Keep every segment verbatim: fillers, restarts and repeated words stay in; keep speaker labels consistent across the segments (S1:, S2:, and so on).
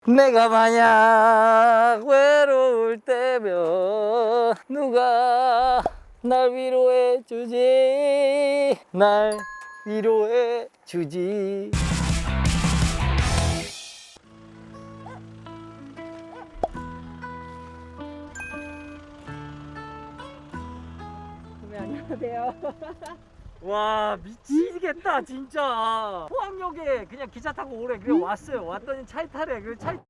S1: 내가 만약 외로울 때면 누가 날 위로해 주지, 날 위로해 주지.
S2: 네, 안녕하세요.
S1: 와 미치겠다 진짜. 포항역에 그냥 기차 타고 오래 그래 왔어요. 왔더니 차에 타래. 그 차에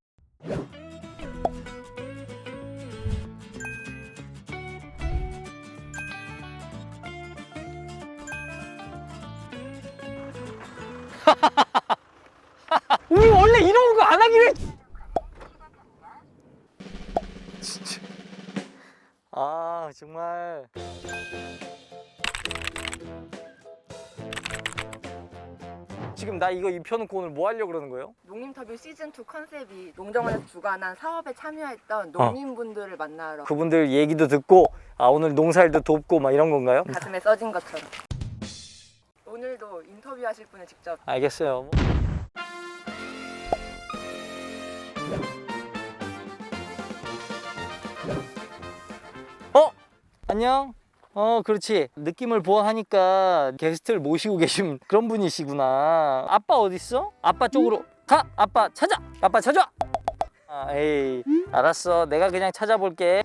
S1: 우리 원래 이런 거 안 하기로 했... 진짜 아 정말 지금 나 이거 입혀놓고 오늘 뭐 하려고 그러는 거예요?
S2: 농림터뷰 시즌이 컨셉이 농정원에서 주관한 사업에 참여했던 농민분들을 만나러
S1: 그분들 얘기도 듣고 아 오늘 농사일도 돕고 막 이런 건가요?
S2: 가슴에 써진 것처럼. 오늘도 인터뷰하실 분을 직접.
S1: 알겠어요. 어? 안녕? 어 그렇지. 느낌을 보아하니까 게스트를 모시고 계신 그런 분이시구나. 아빠 어딨어? 아빠 쪽으로 가! 아빠 찾아! 아빠 찾아! 아, 에이 알았어. 내가 그냥 찾아볼게.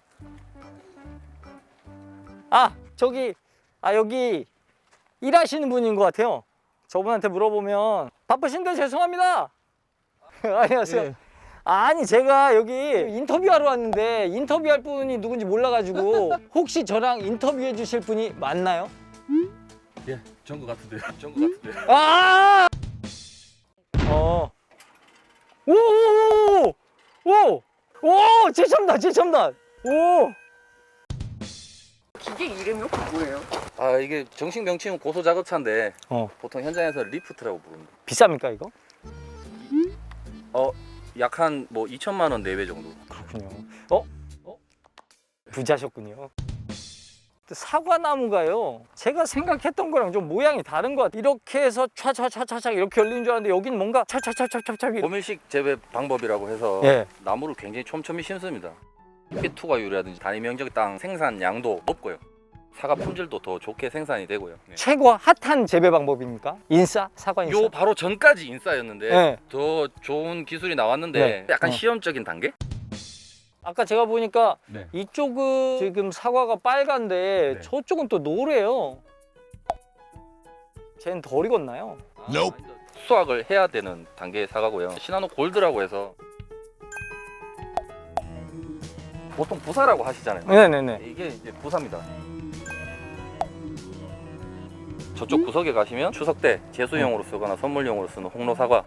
S1: 아 저기 아 여기 일하시는 분인 것 같아요. 저분한테 물어보면 바쁘신데 죄송합니다. 안녕하세요.
S3: 예.
S1: 아니 제가 여기 인터뷰하러 왔는데 인터뷰할 분이 누군지 몰라가지고 혹시 저랑 인터뷰해 주실 분이 맞나요?
S3: 예, 전것 같은데요. 전것 같은데요.
S1: 아! 어. 오오오오! 오! 오! 최첨단 최첨단! 오!
S2: 기계 이름이 혹시 뭐예요?
S3: 아, 이게 정식 명칭은 고소 작업차인데
S1: 어.
S3: 보통 현장에서 리프트라고 부릅니다.
S1: 비쌉니까 이거?
S3: 어, 약 한 뭐 이천만 원 내외 정도.
S1: 그렇군요. 어? 어? 부자셨군요. 사과나무가요. 제가 생각했던 거랑 좀 모양이 다른 것 같아요. 이렇게 해서 촤촤촤촤 이렇게 열리는 줄 알았는데 여기는 뭔가 촤촤촤촤촤 이렇게.
S3: 고밀식 재배 방법이라고 해서
S1: 예.
S3: 나무를 굉장히 촘촘히 심습니다. 피투과율이라든지 단위 면적 땅 생산량도 높고요. 사과 품질도 더 좋게 생산이 되고요. 네.
S1: 최고 핫한 재배 방법입니까? 인싸? 사과 인싸?
S3: 요 바로 전까지 인싸였는데
S1: 네.
S3: 더 좋은 기술이 나왔는데
S1: 네.
S3: 약간
S1: 어.
S3: 시험적인 단계?
S1: 아까 제가 보니까
S3: 네.
S1: 이쪽은 지금 사과가 빨간데
S3: 네.
S1: 저쪽은 또 노래요. 쟤는 덜 익었나요?
S3: 아, 수확을 해야 되는 단계의 사과고요. 시나노 골드라고 해서 보통 부사라고 하시잖아요.
S1: 네네네.
S3: 이게 이제 부사입니다. 저쪽 구석에 가시면 추석 때 제수용으로 쓰거나 선물용으로 쓰는 홍로 사과.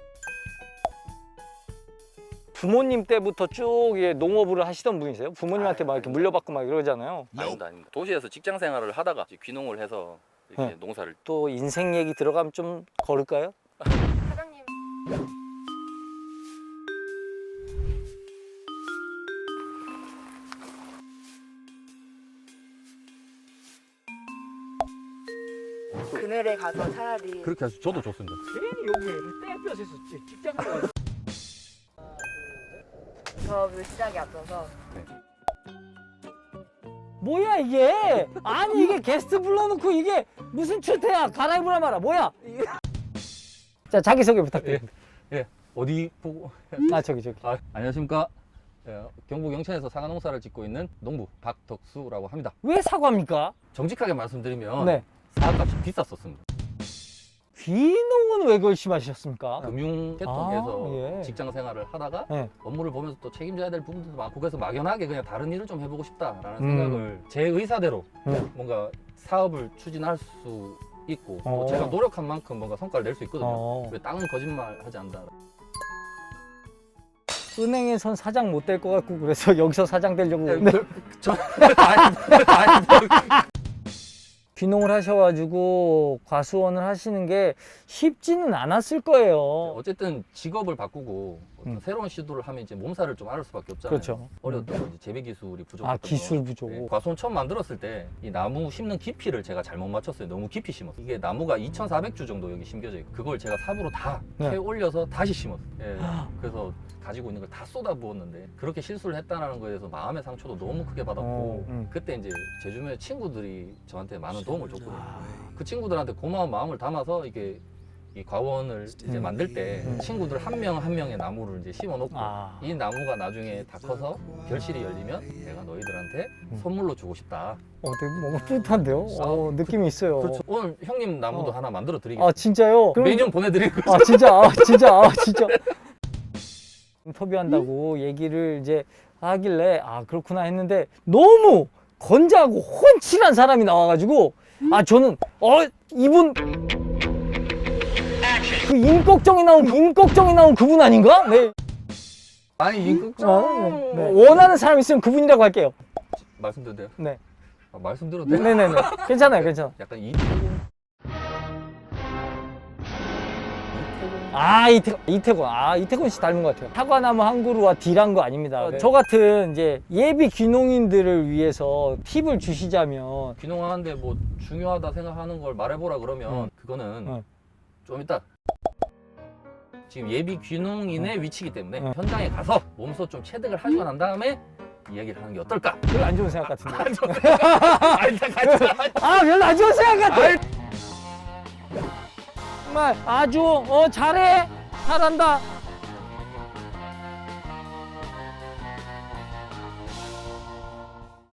S1: 부모님 때부터 쭉 예, 농업을 하시던 분이세요? 부모님한테 막 이렇게 물려받고 막 이러잖아요.
S3: 아닙니다, 아닙니다. 도시에서 직장 생활을 하다가 이제 귀농을 해서 이렇게
S1: 네.
S3: 농사를.
S1: 또 인생 얘기 들어가면 좀 걸을까요?
S2: 사장님. 그늘에 가서 차라리
S3: 그렇게 해서 저도 좋습니다.
S1: 괜히 여기 땡볕에서 직장 생활.
S2: 사업을 시작에 앞서서
S1: 뭐야 이게? 아니 이게 게스트 불러놓고 이게 무슨 추태야? 갈아입으라 마라. 뭐야? 자 자기소개 부탁드립니다.
S3: 예, 어디 보고?
S1: 아 저기 저기.
S3: 아, 안녕하십니까? 예, 경북 영천에서 사과 농사를 짓고 있는 농부 박덕수라고 합니다.
S1: 왜 사과입니까?
S3: 정직하게 말씀드리면
S1: 네.
S3: 사과값이 비쌌었습니다.
S1: 귀농은 왜 결심하셨습니까?
S3: 금융 계통에서
S1: 아, 예.
S3: 직장 생활을 하다가
S1: 네.
S3: 업무를 보면서 또 책임져야 될 부분들도 많고 그래서 막연하게 그냥 다른 일을 좀 해보고 싶다라는
S1: 음.
S3: 생각을 제 의사대로
S1: 음.
S3: 뭔가 사업을 추진할 수 있고
S1: 어.
S3: 또 제가 노력한 만큼 뭔가 성과를 낼 수 있거든요.
S1: 어.
S3: 왜 땅은 거짓말하지 않는다.
S1: 은행에선 사장 못 될 것 같고 그래서 여기서 사장 되려고. 네.
S3: 저 아닙니다.
S1: 귀농을 하셔가지고 과수원을 하시는 게 쉽지는 않았을 거예요.
S3: 어쨌든 직업을 바꾸고
S1: 음.
S3: 새로운 시도를 하면 이제 몸살을 좀 앓을 수밖에 없잖아요.
S1: 그렇죠.
S3: 어려웠던 건 이제 재배 기술이 부족했던
S1: 아 기술
S3: 거.
S1: 부족.
S3: 네, 과수원 처음 만들었을 때 이 나무 심는 깊이를 제가 잘못 맞췄어요. 너무 깊이 심었어요. 이게 나무가 이천사백 주 정도 여기 심겨져 있고 그걸 제가 삽으로 다
S1: 네.
S3: 캐 올려서 다시 심었어요. 예, 그래서 가지고 있는 걸 다 쏟아 부었는데 그렇게 실수를 했다는 거에 대해서 마음의 상처도 너무 크게 받았고
S1: 어, 음.
S3: 그때 이제 제 주변에 친구들이 저한테 많은 도움을 줬거든요.
S1: 아.
S3: 그 친구들한테 고마운 마음을 담아서 이게 이 과원을 이제
S1: 음.
S3: 만들 때
S1: 음.
S3: 친구들 한 명 한 명의 나무를 이제 심어 놓고
S1: 아.
S3: 이 나무가 나중에 다 커서 결실이 열리면 내가 너희들한테
S1: 음.
S3: 선물로 주고 싶다.
S1: 어, 되게 너무 뿌듯한데요. 어, 느낌이 있어요.
S3: 그렇죠. 오늘 형님 나무도
S1: 어.
S3: 하나 만들어 드리겠습니다.
S1: 아 진짜요? 그럼-
S3: 매년 보내드릴 거죠.
S1: 아 진짜 아 진짜 아 진짜 인터뷰한다고 얘기를 이제 하길래 아 그렇구나 했는데 너무 건재하고 훤칠한 사람이 나와가지고 아 저는 어 이분 그 임꺽정이 나온 임꺽정이 나온 그분 아닌가? 네.
S3: 아니 임꺽정
S1: 어, 네. 네. 원하는 사람 있으면 그분이라고 할게요.
S3: 말씀드려도 돼요?
S1: 네.
S3: 아, 말씀드려도 돼요?
S1: 네네네. 괜찮아요, 괜찮아.
S3: 약간 이태곤
S1: 아 이태 이태곤 아 이태곤 씨 닮은 것 같아요. 사과나무 한 그루와 딜한 거 아닙니다.
S3: 네.
S1: 저 같은 이제 예비 귀농인들을 위해서 팁을 주시자면
S3: 귀농하는데 뭐 중요하다 생각하는 걸 말해보라 그러면
S1: 응.
S3: 그거는
S1: 응.
S3: 좀 이따 지금 예비 귀농인의 위치이기 때문에
S1: 응.
S3: 현장에 가서 몸소 좀 체득을 하시고 난 다음에 이야기를 하는 게 어떨까?
S1: 별로 안 좋은 생각 같은데.
S3: 아, 일단 같이
S1: 아 별로 안 좋은 생각 같아. 정말 아주 어 잘해 잘한다.